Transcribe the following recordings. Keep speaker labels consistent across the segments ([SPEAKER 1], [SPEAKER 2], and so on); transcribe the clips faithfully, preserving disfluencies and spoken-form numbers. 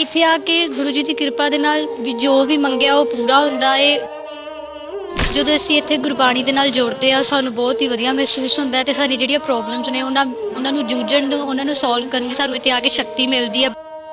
[SPEAKER 1] ਇੱਥੇ ਆ ਕੇ ਗੁਰੂ ਜੀ ਦੀ ਕਿਰਪਾ ਦੇ ਨਾਲ ਵੀ ਜੋ ਵੀ ਮੰਗਿਆ ਉਹ ਪੂਰਾ ਹੁੰਦਾ ਏ। ਜਦੋਂ ਅਸੀਂ ਇੱਥੇ ਗੁਰਬਾਣੀ ਦੇ ਨਾਲ ਜੁੜਦੇ ਹਾਂ ਸਾਨੂੰ ਬਹੁਤ ਹੀ ਵਧੀਆ ਮਹਿਸੂਸ ਹੁੰਦਾ ਹੈ ਤੇ ਸਾਡੀ ਜਿਹੜੀਆਂ ਪ੍ਰੋਬਲਮਸ ਨੇ ਉਹਨਾਂ ਉਹਨਾਂ ਨੂੰ ਜੂਝਣ ਨੂੰ ਉਹਨਾਂ ਨੂੰ ਸੋਲਵ ਕਰਨ ਦੀ ਸਾਨੂੰ ਇੱਥੇ ਆ ਕੇ ਸ਼ਕਤੀ ਮਿਲਦੀ ਹੈ।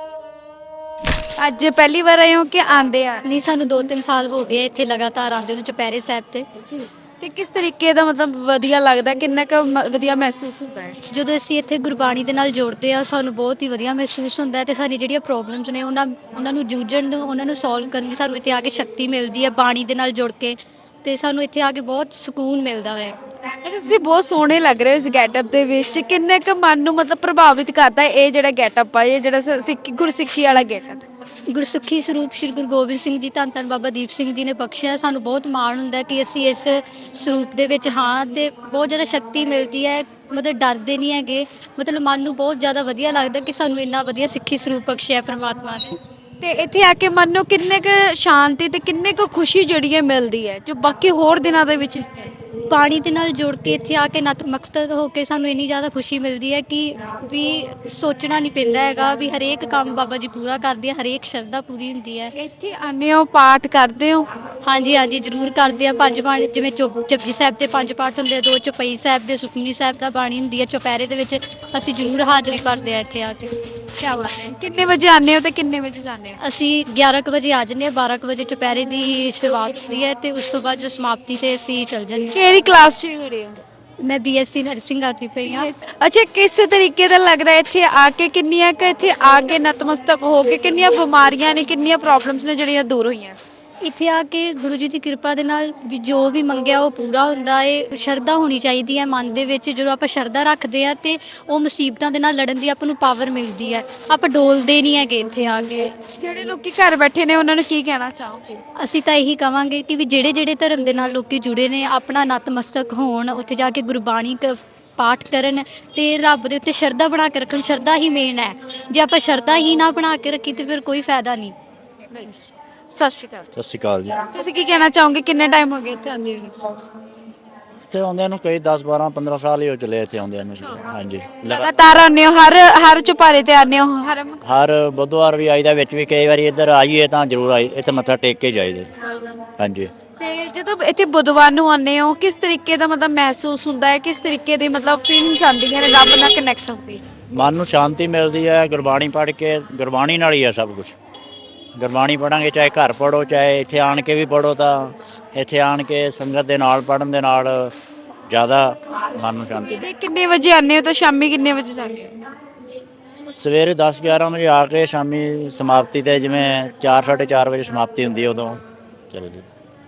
[SPEAKER 2] ਅੱਜ ਪਹਿਲੀ ਵਾਰ ਆਏ ਹੋ ਕਿ ਆਂਦੇ ਆ?
[SPEAKER 1] ਨਹੀਂ, ਸਾਨੂੰ ਦੋ ਤਿੰਨ ਸਾਲ ਹੋ ਗਏ ਇੱਥੇ ਲਗਾਤਾਰ ਆਉਂਦੇ ਨੂੰ ਚੁਪਹਿਰੇ ਸਾਹਿਬ ਤੇ।
[SPEAKER 2] ਜੀ। ਤੇ ਕਿਸ ਤਰੀਕੇ ਦਾ ਮਤਲਬ ਵਧੀਆ ਲੱਗਦਾ, ਕਿੰਨਾ ਕੁ ਮ- ਵਧੀਆ ਮਹਿਸੂਸ ਹੁੰਦਾ ਹੈ?
[SPEAKER 1] ਜਦੋਂ ਅਸੀਂ ਇੱਥੇ ਗੁਰਬਾਣੀ ਦੇ ਨਾਲ ਜੁੜਦੇ ਹਾਂ ਸਾਨੂੰ ਬਹੁਤ ਹੀ ਵਧੀਆ ਮਹਿਸੂਸ ਹੁੰਦਾ ਹੈ ਤੇ ਸਾਡੀ ਜਿਹੜੀਆਂ ਪ੍ਰੋਬਲਮਸ ਨੇ ਉਹਨਾਂ ਉਹਨਾਂ ਨੂੰ ਜੂਝਣ ਨੂੰ ਉਹਨਾਂ ਨੂੰ ਸੋਲਵ ਕਰਨ ਦੀ ਸਾਨੂੰ ਇੱਥੇ ਆ ਕੇ ਸ਼ਕਤੀ ਮਿਲਦੀ ਹੈ ਬਾਣੀ ਦੇ ਨਾਲ ਜੁੜ ਕੇ। ਤੇ ਸਾਨੂੰ ਇੱਥੇ ਆ ਕੇ ਬਹੁਤ ਸਕੂਨ ਮਿਲਦਾ ਹੈ।
[SPEAKER 2] ਤੇ ਤੁਸੀਂ ਬਹੁਤ ਸੋਹਣੇ ਲੱਗ ਰਹੇ ਹੋ ਇਸ ਗੈਟਅਪ ਦੇ ਵਿੱਚ। ਕਿੰਨੇ ਕੁ ਮਨ ਨੂੰ ਮਤਲਬ ਪ੍ਰਭਾਵਿਤ ਕਰਦਾ ਹੈ ਇਹ ਜਿਹੜਾ ਗੈਟਅਪ ਆ, ਇਹ ਜਿਹੜਾ ਸ- ਸਿੱਖੀ ਗੁਰਸਿੱਖੀ ਵਾਲਾ ਗੈਟਅਪ?
[SPEAKER 1] ਗੁਰਸਿੱਖੀ ਸਰੂਪ ਸ਼੍ਰੀ ਗੁਰੂ ਗੋਬਿੰਦ ਸਿੰਘ ਜੀ ਧੰਨ ਧੰਨ ਬਾਬਾ ਦੀਪ ਸਿੰਘ ਜੀ ਨੇ ਬਖਸ਼ਿਆ। ਸਾਨੂੰ ਬਹੁਤ ਮਾਣ ਹੁੰਦਾ ਹੈ ਕਿ ਅਸੀਂ ਇਸ ਸਰੂਪ ਦੇ ਵਿੱਚ ਹਾਂ ਤੇ ਬਹੁਤ ਜ਼ਿਆਦਾ ਸ਼ਕਤੀ ਮਿਲਦੀ ਹੈ। ਮਤਲਬ ਡਰਦੇ ਨਹੀਂ ਹੈਗੇ, ਮਤਲਬ ਮਨ ਨੂੰ ਬਹੁਤ ਜ਼ਿਆਦਾ ਵਧੀਆ ਲੱਗਦਾ ਕਿ ਸਾਨੂੰ ਇੰਨਾ ਵਧੀਆ ਸਿੱਖੀ ਸਰੂਪ ਬਖਸ਼ਿਆ ਪ੍ਰਮਾਤਮਾ ਨੇ।
[SPEAKER 2] ਤੇ ਇੱਥੇ ਆ ਕੇ ਮਨ ਨੂੰ ਕਿੰਨੇ ਕੁ ਸ਼ਾਂਤੀ ਤੇ ਕਿੰਨੇ ਕੁ ਖੁਸ਼ੀ ਜਿਹੜੀ ਹੈ ਮਿਲਦੀ ਹੈ ਜੋ ਬਾਕੀ ਹੋਰ ਦਿਨਾਂ ਦੇ ਵਿੱਚ ਨਹੀਂ ਹੈ?
[SPEAKER 1] ਬਾਣੀ ਦੇ ਨਾਲ ਜੁੜ ਕੇ ਇੱਥੇ ਆ ਕੇ ਨਤਮਸਤਕ ਹੋ ਕੇ ਸਾਨੂੰ ਇੰਨੀ ਜ਼ਿਆਦਾ ਖੁਸ਼ੀ ਮਿਲਦੀ ਹੈ ਕਿ ਵੀ ਸੋਚਣਾ ਨਹੀਂ ਪੈਂਦਾ ਹੈਗਾ ਵੀ ਹਰੇਕ ਕੰਮ ਬਾਬਾ ਜੀ ਪੂਰਾ ਕਰਦੇ ਆ, ਹਰੇਕ ਸ਼ਰਧਾ ਪੂਰੀ ਹੁੰਦੀ ਹੈ।
[SPEAKER 2] ਇੱਥੇ ਆਉਂਦੇ ਹੋ, ਪਾਠ ਕਰਦੇ ਹੋ?
[SPEAKER 1] ਹਾਂਜੀ ਹਾਂਜੀ ਜ਼ਰੂਰ ਕਰਦੇ ਆ। ਪੰਜ ਬਾਣੀ ਜਿਵੇਂ ਚੁਪ ਜਪਜੀ ਸਾਹਿਬ ਦੇ ਪੰਜ ਪਾਠ ਹੁੰਦੇ ਆ, ਦੋ ਚੌਪਈ ਸਾਹਿਬ ਦੇ, ਸੁਖਮਨੀ ਸਾਹਿਬ ਦਾ ਬਾਣੀ ਹੁੰਦੀ ਹੈ। ਚੁਪਹਿਰੇ ਦੇ ਵਿੱਚ ਅਸੀਂ ਜ਼ਰੂਰ ਹਾਜ਼ਰੀ ਭਰਦੇ ਆ ਇੱਥੇ ਆ ਕੇ।
[SPEAKER 2] ਕਿਆ ਬਾਤ ਹੈ। ਕਿੰਨੇ ਵਜੇ ਆਉਂਦੇ ਹੋ ਤੇ ਕਿੰਨੇ ਵਜੇ ਜਾਂਦੇ ਹੋ?
[SPEAKER 1] ਅਸੀਂ ਗਿਆਰਾਂ ਕੁ ਵਜੇ ਆ ਜਾਂਦੇ ਹਾਂ, ਬਾਰਾਂ ਕੁ ਵਜੇ ਚੁਪਹਿਰੇ ਦੀ ਸ਼ੁਰੂਆਤ ਹੁੰਦੀ ਹੈ ਤੇ ਉਸ ਤੋਂ ਬਾਅਦ ਜੋ ਸਮਾਪਤੀ ਤੇ ਅਸੀਂ ਚੱਲ ਜਾਂਦੇ ਹਾਂ।
[SPEAKER 2] ਕਿਹੜੀ ਕਲਾਸ 'ਚ ਖੜੇ ਹੋ?
[SPEAKER 1] ਮੈਂ ਬੀਐਸਸੀ ਨਰਸਿੰਗ ਕਰਦੀ ਪਈ ਹਾਂ।
[SPEAKER 2] ਅੱਛਾ, ਕਿਸ ਤਰੀਕੇ ਦਾ ਲੱਗਦਾ ਇੱਥੇ ਆ ਕੇ? ਕਿੰਨੀਆਂ ਕਿ ਇੱਥੇ ਆ ਕੇ ਨਤਮਸਤਕ ਹੋ ਕੇ ਕਿੰਨੀਆਂ ਬਿਮਾਰੀਆਂ ਨੇ, ਕਿੰਨੀਆਂ ਪ੍ਰੋਬਲਮਸ ਨੇ ਜਿਹੜੀਆਂ ਦੂਰ ਹੋਈਆਂ?
[SPEAKER 1] ਇੱਥੇ ਆ ਕੇ ਗੁਰੂ ਜੀ ਦੀ ਕਿਰਪਾ ਦੇ ਨਾਲ ਵੀ ਜੋ ਵੀ ਮੰਗਿਆ ਉਹ ਪੂਰਾ ਹੁੰਦਾ ਏ। ਸ਼ਰਧਾ ਹੋਣੀ ਚਾਹੀਦੀ ਹੈ ਮਨ ਦੇ ਵਿੱਚ। ਜਦੋਂ ਆਪਾਂ ਸ਼ਰਧਾ ਰੱਖਦੇ ਆ ਤੇ ਉਹ ਮੁਸੀਬਤਾਂ ਦੇ ਨਾਲ ਲੜਨ ਦੀ ਆਪਾਂ ਨੂੰ ਪਾਵਰ ਮਿਲਦੀ ਹੈ। ਆਪਾਂ ਡੋਲਦੇ ਨਹੀਂ ਹੈਗੇ ਇੱਥੇ ਆ ਕੇ।
[SPEAKER 2] ਜਿਹੜੇ ਲੋਕੀ ਘਰ ਬੈਠੇ ਨੇ ਉਹਨਾਂ ਨੂੰ ਕੀ ਕਹਿਣਾ ਚਾਹੋਗੇ?
[SPEAKER 1] ਅਸੀਂ ਤਾਂ ਇਹੀ ਕਵਾਂਗੇ ਕਿ ਵੀ ਜਿਹੜੇ ਜਿਹੜੇ ਧਰਮ ਦੇ ਨਾਲ ਲੋਕੀ ਜੁੜੇ ਨੇ ਆਪਣਾ ਨਤਮਸਤਕ ਹੋਣ, ਉੱਥੇ ਜਾ ਕੇ ਗੁਰਬਾਣੀ ਕ ਪਾਠ ਕਰਨ ਤੇ ਰੱਬ ਦੇ ਉੱਤੇ ਸ਼ਰਧਾ ਬਣਾ ਕੇ ਰੱਖਣ। ਸ਼ਰਧਾ ਹੀ ਮੇਨ ਹੈ। ਜੇ ਆਪਾਂ ਸ਼ਰਧਾ ਹੀ ਨਾ ਬਣਾ ਕੇ ਰੱਖੀ ਤੇ ਫਿਰ ਕੋਈ ਫਾਇਦਾ ਨਹੀਂ।
[SPEAKER 2] ਸਤਿ ਸ਼੍ਰੀ ਅਕਾਲ।
[SPEAKER 3] ਸਤਿ ਸ਼੍ਰੀ ਅਕਾਲ ਜੀ।
[SPEAKER 2] ਤੁਸੀਂ ਕੀ ਕਹਿਣਾ ਚਾਹੋਗੇ? ਕਿੰਨੇ ਟਾਈਮ ਹੋ ਗਿਆ ਇੱਥੇ ਆਉਂਦੇ ਨੂੰ?
[SPEAKER 3] ਇੱਥੇ ਆਉਂਦਿਆਂ ਨੂੰ ਕਈ ਦਸ ਬਾਰਾਂ ਪੰਦਰਾਂ ਸਾਲ ਹੀ ਹੋ ਚੱਲੇ ਇੱਥੇ ਆਉਂਦਿਆਂ ਨੂੰ। ਹਾਂਜੀ, ਲਗਾ-
[SPEAKER 2] ਲਗਾਤਾਰ ਆਉਂਦੇ ਹੋ? ਹਰ ਹਰ ਚੁਪਾਰੇ ਤੇ ਆਉਂਦੇ ਹੋ? ਹਰ
[SPEAKER 3] ਹਰ ਬੁੱਧਵਾਰ ਵੀ ਆਈਦਾ, ਵਿੱਚ ਵੀ ਕਈ ਵਾਰੀ ਇੱਧਰ ਆਈਏ ਤਾਂ ਜ਼ਰੂਰ ਆਈ, ਇੱਥੇ ਮੱਥਾ ਟੇਕ ਕੇ ਜਾਈਦਾ। ਹਾਂਜੀ।
[SPEAKER 2] ਤੇ ਜਦੋਂ ਇੱਥੇ ਬੁੱਧਵਾਰ ਨੂੰ ਆਉਂਦੇ ਹੋ ਕਿਸ ਤਰੀਕੇ ਦਾ ਮਤਲਬ ਮਹਿਸੂਸ ਹੁੰਦਾ ਹੈ? ਕਿਸ ਤਰੀਕੇ ਦੀ ਮਤਲਬ ਫੀਲਿੰਗਸ ਆਉਂਦੀਆਂ ਨੇ ਰੱਬ ਨਾਲ ਕਨੈਕਟ ਹੋ ਕੇ?
[SPEAKER 3] ਮਨ ਨੂੰ ਸ਼ਾਂਤੀ ਮਿਲਦੀ ਹੈ। ਗੁਰਬਾਣੀ ਪੜ੍ਹ ਕੇ, ਗੁਰਬਾਣੀ ਨਾਲ ਹੀ ਹੈ ਸਭ ਕੁਝ। ਗੁਰਬਾਣੀ ਪੜ੍ਹਾਂਗੇ, ਚਾਹੇ ਘਰ ਪੜ੍ਹੋ ਚਾਹੇ ਇੱਥੇ ਆਣ ਕੇ ਵੀ ਪੜ੍ਹੋ, ਤਾਂ ਇੱਥੇ ਆਣ ਕੇ ਸੰਗਤ ਦੇ ਨਾਲ ਪੜ੍ਹਨ ਦੇ ਨਾਲ ਜ਼ਿਆਦਾ ਮਨ ਨੂੰ ਸ਼ਾਂਤੀ।
[SPEAKER 2] ਸਵੇਰੇ ਕਿੰਨੇ ਵਜੇ ਆਉਂਦੇ ਹੋ ਤੇ ਸ਼ਾਮੀ ਕਿੰਨੇ ਵਜੇ ਜਾਂਦੇ ਹੋ?
[SPEAKER 3] ਸਵੇਰੇ ਦਸ ਗਿਆਰਾਂ ਵਜੇ ਆ ਕੇ ਸ਼ਾਮੀ ਸਮਾਪਤੀ 'ਤੇ ਜਿਵੇਂ ਚਾਰ ਸਾਢੇ ਚਾਰ ਵਜੇ ਸਮਾਪਤੀ ਹੁੰਦੀ ਹੈ ਉਦੋਂ ਚਲੋ ਜੀ।